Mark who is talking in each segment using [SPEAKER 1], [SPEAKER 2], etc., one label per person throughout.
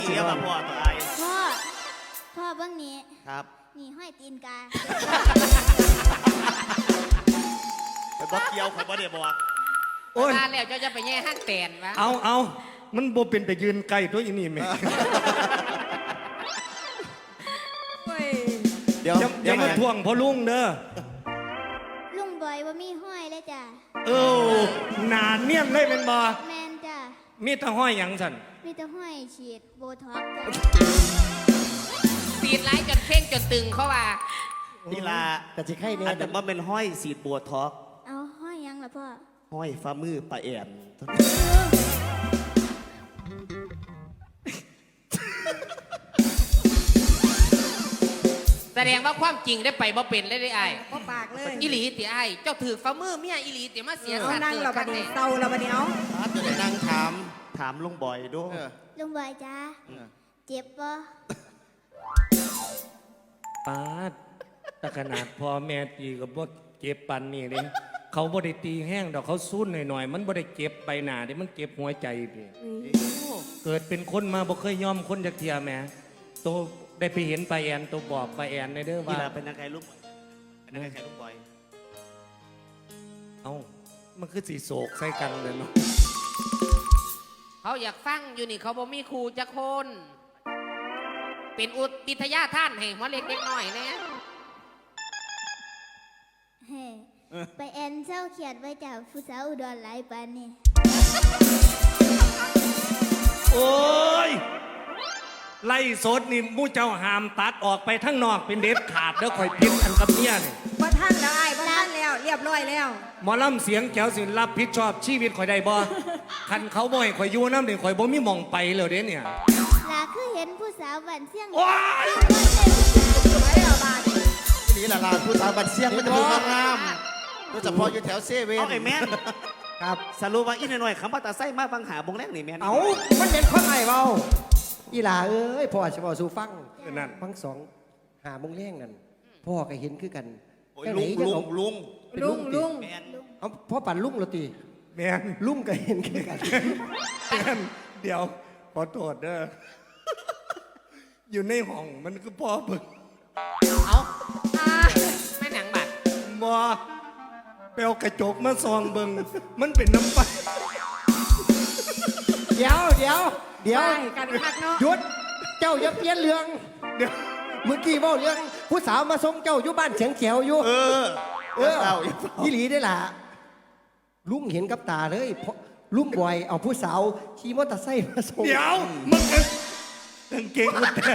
[SPEAKER 1] เรียกว่าพ่อตัวไอ้
[SPEAKER 2] พ่อเบื้องนี้
[SPEAKER 1] ครับ
[SPEAKER 2] นี่ห้อยตีนกา
[SPEAKER 1] ไปบอกเกี่ยวเขาบ่ได้บอก
[SPEAKER 3] โอ้ย
[SPEAKER 4] มาแล้วเจ้าจะไปแย่ห้างแตนวะ
[SPEAKER 3] เอามันบ่เป็นแต่ยืนไกลตัวอีนี่แม่
[SPEAKER 1] เดี๋ยว
[SPEAKER 3] อย่ามาทวงพ่อลุงเด้อ
[SPEAKER 2] ลุงบอยว่ามีห้อยเลยจ้ะ
[SPEAKER 3] หนาเนียนเลยเป็นบ่
[SPEAKER 2] แมนจ้ะ
[SPEAKER 3] มีแต่ห้อยหยังสั่น
[SPEAKER 2] มีแต่ห้อยฉีดโบท็อกซ์จ้ะ
[SPEAKER 4] ตีนไล่จนเข่งจนตึงเขาว่า
[SPEAKER 1] นี่ล่ะ
[SPEAKER 5] แต่สิไข่เนี่ย
[SPEAKER 1] อันนั้นว่าเป็นห้อยสีดบัวทอก
[SPEAKER 2] เอาห้อยยังล่ะพ่อ
[SPEAKER 1] ห้อยฟ้ามือปลาแอน
[SPEAKER 4] แสดงว่าความจริงได้ไปบ่เป็นเลยได้ไอ้
[SPEAKER 6] ก็ปากเลย
[SPEAKER 4] อีหลีติไอ้เจ้าถือฝ่ามือเมียอีหลีติมาเสีย
[SPEAKER 6] เอา
[SPEAKER 4] สัตว์
[SPEAKER 6] นั่งเราบัดนี้เศร้าเราบัดนี้เอา
[SPEAKER 5] จะได้นั่งถาม
[SPEAKER 1] ถามลุงบอยด้วย
[SPEAKER 2] ลุงบอยจ้ะเจ็บปะ
[SPEAKER 3] ปาดแต่ขนาดพ่อแม่ตีก็บ่เจ็บปันนี่เด้เขาบ่ได้ตีแห้งดอกเขาซุ่นหน่อยๆมันบ่ได้เจ็บไปหน้าเด้มันเจ็บหัวใจพี่เกิดเป็นคนมาบ่เคยยอมคนจักเทียแหม่โตได้ไปเห็นปลาแอนโตบอกปลาแอนในเด้อ
[SPEAKER 1] นี่
[SPEAKER 3] ว่า
[SPEAKER 1] ล่ะเป็นยังไงลุงเป็นยังไงลุงบอย
[SPEAKER 3] เอ้ามันคือสีโศกใส่กันเลยเนาะ
[SPEAKER 4] เขาอยากฟังอยู่นี่เขาบ่มีครูจักคน เป็นอุทิทยาท่านให้หัวเล็กเล็กน้อยเนี่ย
[SPEAKER 2] เฮ้ไปแอนเศร้าเขียดไว้จากผู้สาวอุดรหลายปานนี่
[SPEAKER 3] โอ้ยไล่สดนี่มู่เจ้าหามตัดออกไปทั้งนอกเป็นเด็ดขาดแล้วข่อยพิษอันกับเมียนี่
[SPEAKER 6] บ่ท่านแล้วไอ้บ่ท่านแล้วเรียบร้อยแล้ว
[SPEAKER 3] หมอลำเสียงแก้วสิรับผิดชอบชีวิตข่อยได้บ่คันเขาบ่ให้ข่อยอยู่น้ำเด็กข่อยบ่มีหม่องไปเลยเด้เนี่ย
[SPEAKER 2] ลาคือเห็นผู้สาวบันเสี่ยง
[SPEAKER 3] โอ้ย
[SPEAKER 6] ไปแล้วบาด
[SPEAKER 5] นี่หลานผู้สาวบัดเสียงมันจะดูงามๆโดยเฉพาะอยู่แถวเซเว่น
[SPEAKER 1] เอาไอ้แม่น
[SPEAKER 5] ครับ
[SPEAKER 1] สรุปว่าอีหน่อยๆคำว่าตาไส้มาฟังหาบงแรกนี่แม่น
[SPEAKER 5] เอามันเป็นคนไหนเบาอีหล่าเอ้ยพ่อจะบอกสู่ฟัง
[SPEAKER 3] นั่น
[SPEAKER 5] ฟังสองหาโมงแรงนั่นพ่อก็เห็นคือกัน
[SPEAKER 1] โอ้ยลุงลุงลุง
[SPEAKER 5] เป็น
[SPEAKER 6] ลุง
[SPEAKER 5] ติ
[SPEAKER 6] ลุง
[SPEAKER 1] แม่น
[SPEAKER 5] เอาพ่อปั่นลุงเหรอตี
[SPEAKER 3] แม่น
[SPEAKER 5] ลุงก็เห็นคือกัน
[SPEAKER 3] แม่นเดี๋ยวขอโทษเด้ออยู่ในห้องมันคือพ่อเบิ่ง
[SPEAKER 4] เอาแม่หนังบัตร
[SPEAKER 3] บ่ไปเอากระจกมาส่องเบิ่งมันเป็นน้ำไป
[SPEAKER 5] เดี๋ยว
[SPEAKER 6] ไปกันคักเนาะ
[SPEAKER 5] หยุดเจ้าอย่าเปลี่ยนเรื่อง
[SPEAKER 3] เดี๋ยว
[SPEAKER 5] เมื่อกี้เว่าเรื่องผู้สาวมาส่งเจ้าอยู่บ้านเฉียงเขียวอยู่
[SPEAKER 1] เออ
[SPEAKER 5] ยี่หลีได้ล่ะลุงเห็นกับตาเลยเพราะลุงบอยเอาผู้สาวขี่มอเตอร์ไซค์มาส่ง
[SPEAKER 3] เดี๋ยวมันก็กางเกงกูแต่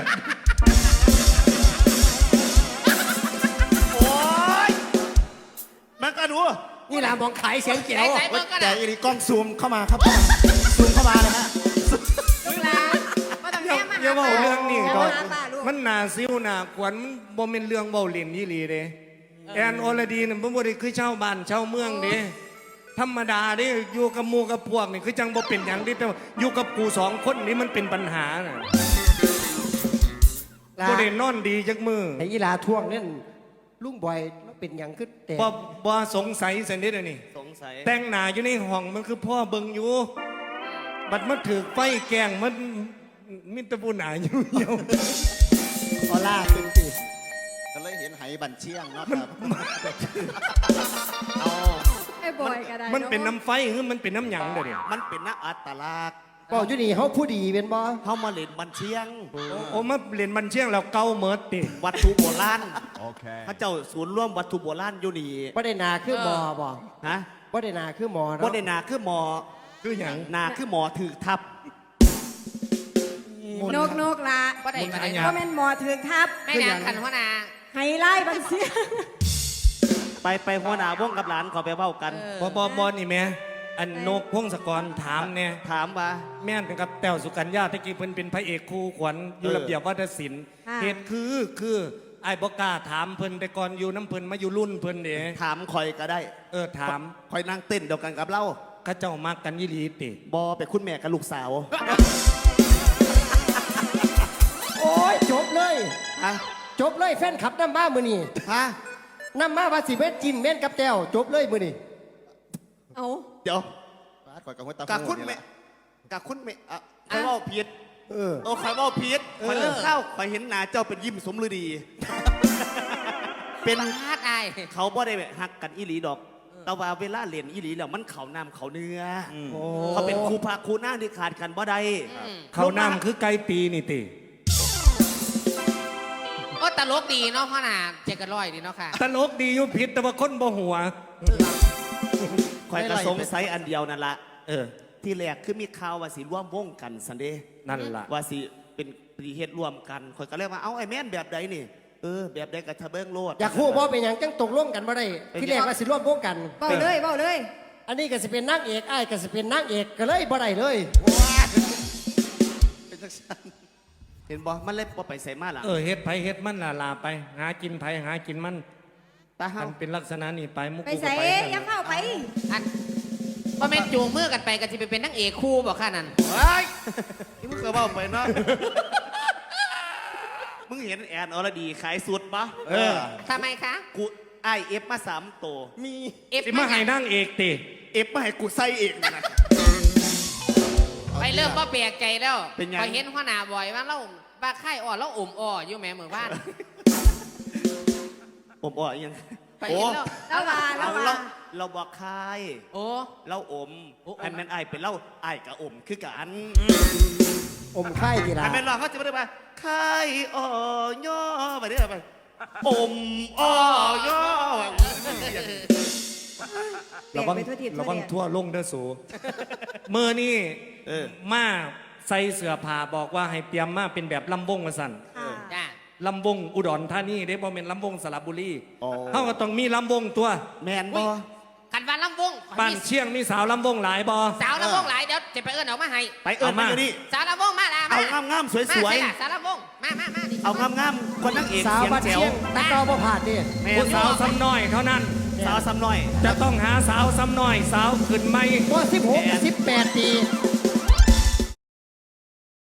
[SPEAKER 1] โอ้ยมันก็ดู
[SPEAKER 5] นี่ล่ะมองขายเสียงเขียว
[SPEAKER 4] ไหนๆเบิ่งกัน
[SPEAKER 5] แต่
[SPEAKER 4] นะ
[SPEAKER 5] อีนี่กล้องซูมเข้ามาครับซูมเข้ามาเลยฮะ
[SPEAKER 6] ลูกหลานบ่ต้องแม่มา
[SPEAKER 3] อย่าเว้าเรื่องนี้
[SPEAKER 6] ก่
[SPEAKER 3] ก่
[SPEAKER 6] อ
[SPEAKER 3] อน น
[SPEAKER 6] ป้าลูก
[SPEAKER 3] มันหนาซิวหนาขวัญมันบ่เป็นเรื่องเว้าเล่นยี่หลีเด้แอนอรดีนี่มันบ่ได้คือชาวบ้านชาวเมืองเด้ธรรมดาเด้อยู่กับหมู่กับพวกนี่คือจังบ่เป็นหยังเด้แต่ว่าอยู่กับกูสองคนนี่มันเป็นปัญหาน่ะบ่ได้นอนดีจักมือ
[SPEAKER 5] ไอ้อีหลาท่วงนั่นลุงบอยแล้วเป็นหยังขึ้นแต่
[SPEAKER 3] บ่สงสัยสันนิดอันนี้
[SPEAKER 1] สงสัย
[SPEAKER 3] แต่งหน้าอยู่ในห้องมันคือพ่อเบิ่งอยู่ บัดมันถือไฟแกล้งมันมิตรผู้หนาอยู่เหี่ยว
[SPEAKER 5] ออล่าขึ้นสิ
[SPEAKER 7] ก็เลยเห็นไหบันเชียงเนาะครับ
[SPEAKER 1] เอา
[SPEAKER 6] ไอ้บอยก็ได้
[SPEAKER 3] มันเป็นน้ำไฟหรือมันเป็นน้ำหยังเด้อเนี่ย
[SPEAKER 1] มันเป็นนักอัตลักษณ์
[SPEAKER 5] บอกอยู่นี่เขาผู้ดีเป็นบ่
[SPEAKER 1] เข้ามาเล่นบันเชียง
[SPEAKER 3] โอ้มาเรียนบันเชียงแล้วเก่าเมิดติ
[SPEAKER 1] วัตถุโบราณพระเจ้าศูนย์ร่วมวัตถุโบราณอยู่นี่
[SPEAKER 5] บ่ได้นาคือหมอบ่
[SPEAKER 1] ฮะ
[SPEAKER 5] บ่ได้นาคือหมอ
[SPEAKER 1] บ่
[SPEAKER 5] เนาะ
[SPEAKER 1] ได้นาคือหมอ
[SPEAKER 3] คือหยัง
[SPEAKER 1] นาคือหมอถือทับ
[SPEAKER 6] นกละ
[SPEAKER 4] บ่ได้บ่ได้
[SPEAKER 6] บ่แม่นหมอถึงทับ
[SPEAKER 4] แม่นางขันหัวหนา
[SPEAKER 6] ไฮไล่บันเสีย
[SPEAKER 1] ไปหัวหน้าวงกับหลานขอไปเว้ากัน
[SPEAKER 3] บ่นี่แม่อันนกพงศกรถามเนี่ย
[SPEAKER 1] ถามว่า
[SPEAKER 3] แม่นกับแต้วสุกัญญาตะกี้เพิ่นเป็นพระเอกคู่ขวัญอยู่ระเบียบวัฒนศิลป์เหตุคือไอ้ายบ่กล้าถามเพิ่นแต่ก่อนอยู่น้ำเพิ่นมาอยู่รุ่นเพิ่นเด้
[SPEAKER 1] ถามคอยก็ได้
[SPEAKER 3] ถาม
[SPEAKER 1] คอยนั่งเต้นเดียวกันกับเรา
[SPEAKER 3] เข้าเจ้ามักกันยี่หลีติ
[SPEAKER 1] บอไปคุณแม่กับลูกสาว
[SPEAKER 5] โอ้ยจบเลย
[SPEAKER 1] ฮะ
[SPEAKER 5] จบเลยแฟนขับน้ำมามือนี่
[SPEAKER 1] ฮะ
[SPEAKER 5] น้ำมาว่าสิเม็ดจินเม็ดกับแต้วจบเลยมือนี่
[SPEAKER 6] เอา
[SPEAKER 1] เดี๋ยว
[SPEAKER 7] ปาดข่อยกับหัวตา
[SPEAKER 1] กับคุณ
[SPEAKER 7] นี่
[SPEAKER 1] แม่
[SPEAKER 7] ล่ะ
[SPEAKER 1] กับคุณแม่อ่ะใครว่าผิดโอ้ข่อยเว่าผิดข่อยเลิกเข้าข่อยเห็นหน้าเจ้าเป็นยิ้มสมฤดี เป็น
[SPEAKER 4] พลาดไอ้
[SPEAKER 1] เขาบ่ได้หักกันอีหลีดอก แต่ว่าเวลาเล่นอีหลีแล้วมันเขาน้ำเขาเนื้ออเขาเป็นครูพาครูหน้าที่ขาดกันบ่ได้
[SPEAKER 3] เขาน้ำคือไก่ปีนี่ติ
[SPEAKER 4] โอ้ตลกดีเนาะพ่อหนาเจกันร้อยดีเนาะค่ะ
[SPEAKER 3] ตลกดีอยู่ผิดแต่ว่าคนบ่หัว
[SPEAKER 1] ข่อยก็สงสัยอันเดียวนั่นละที่แรกคือมีข่าวว่าสิร่วมวงกันสันเดย์
[SPEAKER 3] นั่นล่ะ
[SPEAKER 1] ว่าสิเป็นปฏิเหตุร่วมกันข่อยก็เลยว่าเอาไอ้แม่นแบบใดนี่แบบใดกับทะเบิ้งโลด
[SPEAKER 5] อยากฮู้บ่เป็นหยังจังตกลงกันบ่ได้ที่แรกว่าสิร่วมวงกัน
[SPEAKER 6] เบาเลยเบาเลย
[SPEAKER 5] อันนี้ก็สิเป็นนางเอกอ้ายก็สิเป็นนางเอกก็เลยบ่ได้เลย
[SPEAKER 7] เป็นจังซั่น
[SPEAKER 1] เห็นบ่มันเลยบ่ไปใส่มาหลัง
[SPEAKER 3] เฮ็ดไผเฮ็ดมันลาไป หากินไผหากินมัน
[SPEAKER 1] ตาเฮา
[SPEAKER 3] มันเป็นลักษณะนี้ไปมุก
[SPEAKER 6] ไป
[SPEAKER 3] กูก็
[SPEAKER 6] ใส่
[SPEAKER 3] ไป
[SPEAKER 6] อย่าเข้าไป
[SPEAKER 4] อันพ่อแม่นจูงมือกันไปก็จะไปเป็นนางเอกคู่บอกค่ะนั่น
[SPEAKER 1] เฮ้ยนี่มึงเคยเบ้าไปเนาะ มึงเห็นแอนอรดีขายสุดปะ
[SPEAKER 4] ทำไมคะ
[SPEAKER 1] กูไอเอฟมา3ตัวมี
[SPEAKER 4] เอฟ
[SPEAKER 3] สิมาให้นางเอกติ
[SPEAKER 1] เอฟมาให้กูใส่เองนะ
[SPEAKER 4] ไปเริ่มว่าแปลกใจแล้ว
[SPEAKER 1] เป็นไง
[SPEAKER 4] พอเห็นหัวหน้าบ่อยว่าเราบ้าไข่อ่อนเราอมอ่ออยู่แม่เหมือนบ้าน
[SPEAKER 1] ผมบอกยัง
[SPEAKER 4] ไปเห็นแล้ว
[SPEAKER 6] แล้วว่าแล้วว่า
[SPEAKER 1] เราบอกใคร
[SPEAKER 4] โอ้
[SPEAKER 1] เราอมอันแมนไอเป็นเล่าไอกับอมคือกัน
[SPEAKER 5] อมไข่ทีละ
[SPEAKER 1] อันแมนรอเขาจะไม่ได้ไปไข่อ่อย่อไปเรื่อยไปอมอ่อย่อ
[SPEAKER 3] ระวัง
[SPEAKER 6] เปลี่ยนไปทั่วทิศทั่วแดน
[SPEAKER 3] ระวังทั่วลงเด้อสู มือนี่มาใส่เสื้อผ้าบอกว่าให้เตรียมมาเป็นแบบลำวงมาสั่น
[SPEAKER 6] ค่ะ
[SPEAKER 4] จ้า
[SPEAKER 3] ลำวงอุดรธานีได้บ่เป็นลำวงสระบุรี
[SPEAKER 1] อ๋อ
[SPEAKER 3] เขาก็ต้องมีลำวงตัว
[SPEAKER 1] แมนบอ
[SPEAKER 4] ขันวันลำวง
[SPEAKER 3] บ้านเชียงมีสาวลำวงหลายบ่
[SPEAKER 4] สาวลำวงหลายเดี๋ยวจะไปเอิ้นเอามาให้
[SPEAKER 1] ไปเอิญมาอยู่นี่
[SPEAKER 4] สาวลำวงมาละ
[SPEAKER 1] เอางามๆสวย
[SPEAKER 4] มาสิล่ะสาวลำวงมาดิ
[SPEAKER 1] ๆเอางามๆคนนักเอก
[SPEAKER 5] สาว
[SPEAKER 1] เสียง
[SPEAKER 5] บัด
[SPEAKER 1] แจ๋ว
[SPEAKER 5] เชียงตะเกาบ่ผ่านดิ
[SPEAKER 1] แม่
[SPEAKER 3] ผู้สาวซ้ำน้อยเท่านั้น
[SPEAKER 1] สาวซ้ำน้อย
[SPEAKER 3] จะต้องหาสาวซ้ำน้อย สาวขึ้นไม่
[SPEAKER 5] บ่16กับ18 ปี